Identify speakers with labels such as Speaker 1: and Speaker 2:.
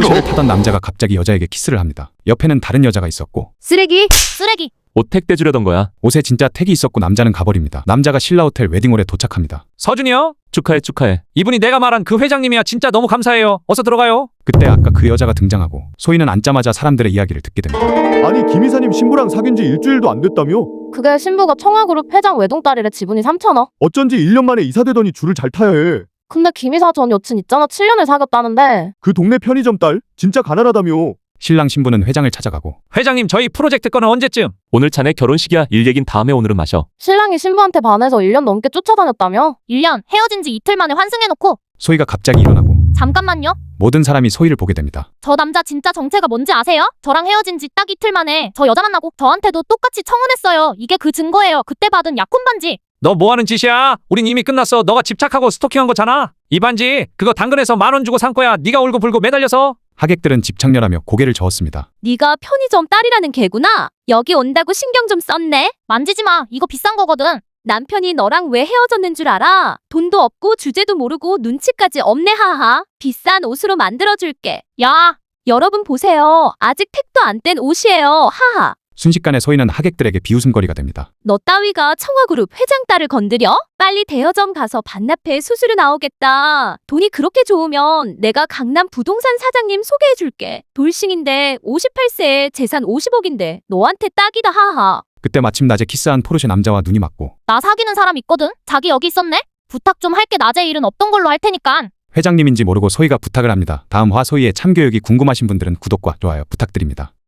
Speaker 1: 포르쉐를 타던 남자가 갑자기 여자에게 키스를 합니다. 옆에는 다른 여자가 있었고
Speaker 2: 쓰레기.
Speaker 3: 옷 택배 주려던 거야.
Speaker 1: 옷에 진짜 택이 있었고 남자는 가버립니다. 남자가 신라 호텔 웨딩홀에 도착합니다.
Speaker 4: 서준이요?
Speaker 3: 축하해.
Speaker 4: 이분이 내가 말한 그 회장님이야. 진짜 너무 감사해요. 어서 들어가요.
Speaker 1: 그때 아까 그 여자가 등장하고 소희는 앉자마자 사람들의 이야기를 듣게 됩니다.
Speaker 5: 아니 김 이사님 신부랑 사귄 지 일주일도 안 됐다며?
Speaker 2: 그게 신부가 청아그룹 회장 외동딸이래. 지분이 3천억.
Speaker 5: 어쩐지 1년 만에 이사되더니 줄을 잘 타야 해.
Speaker 2: 근데 김이사 전 여친 있잖아. 7년을 사귀었다는데.
Speaker 5: 그 동네 편의점 딸? 진짜 가난하다며.
Speaker 1: 신랑 신부는 회장을 찾아가고
Speaker 4: 회장님 저희 프로젝트 건은 언제쯤?
Speaker 3: 오늘 자네 결혼식이야. 일 얘긴 다음에 오늘은 마셔.
Speaker 2: 신랑이 신부한테 반해서 1년 넘게 쫓아다녔다며? 1년 헤어진 지 이틀 만에 환승해놓고.
Speaker 1: 소희가 갑자기 일어나고
Speaker 2: 잠깐만요.
Speaker 1: 모든 사람이 소희를 보게 됩니다.
Speaker 2: 저 남자 진짜 정체가 뭔지 아세요? 저랑 헤어진 지 딱 이틀 만에 저 여자 만나고 저한테도 똑같이 청혼했어요. 이게 그 증거예요. 그때 받은 약혼 반지.
Speaker 4: 너 뭐하는 짓이야? 우린 이미 끝났어. 너가 집착하고 스토킹한 거잖아. 이 반지 그거 당근에서 10,000원 주고 산 거야. 네가 울고불고 매달려서.
Speaker 1: 하객들은 집착렬하며 고개를 저었습니다.
Speaker 2: 네가 편의점 딸이라는 개구나. 여기 온다고 신경 좀 썼네. 만지지 마. 이거 비싼 거거든. 남편이 너랑 왜 헤어졌는 줄 알아? 돈도 없고 주제도 모르고 눈치까지 없네. 하하. 비싼 옷으로 만들어줄게. 야, 여러분 보세요. 아직 택도 안 뗀 옷이에요. 하하.
Speaker 1: 순식간에 소희는 하객들에게 비웃음거리가 됩니다.
Speaker 2: 너 따위가 청아그룹 회장 딸을 건드려? 빨리 대여점 가서 반납해. 수수료 나오겠다. 돈이 그렇게 좋으면 내가 강남 부동산 사장님 소개해줄게. 돌싱인데 58세에 재산 50억인데 너한테 딱이다. 하하.
Speaker 1: 그때 마침 낮에 키스한 포르쉐 남자와 눈이 맞고
Speaker 2: 나 사귀는 사람 있거든? 자기 여기 있었네? 부탁 좀 할게. 낮에 일은 없던 걸로 할 테니까.
Speaker 1: 회장님인지 모르고 소희가 부탁을 합니다. 다음 화 소희의 참교육이 궁금하신 분들은 구독과 좋아요 부탁드립니다.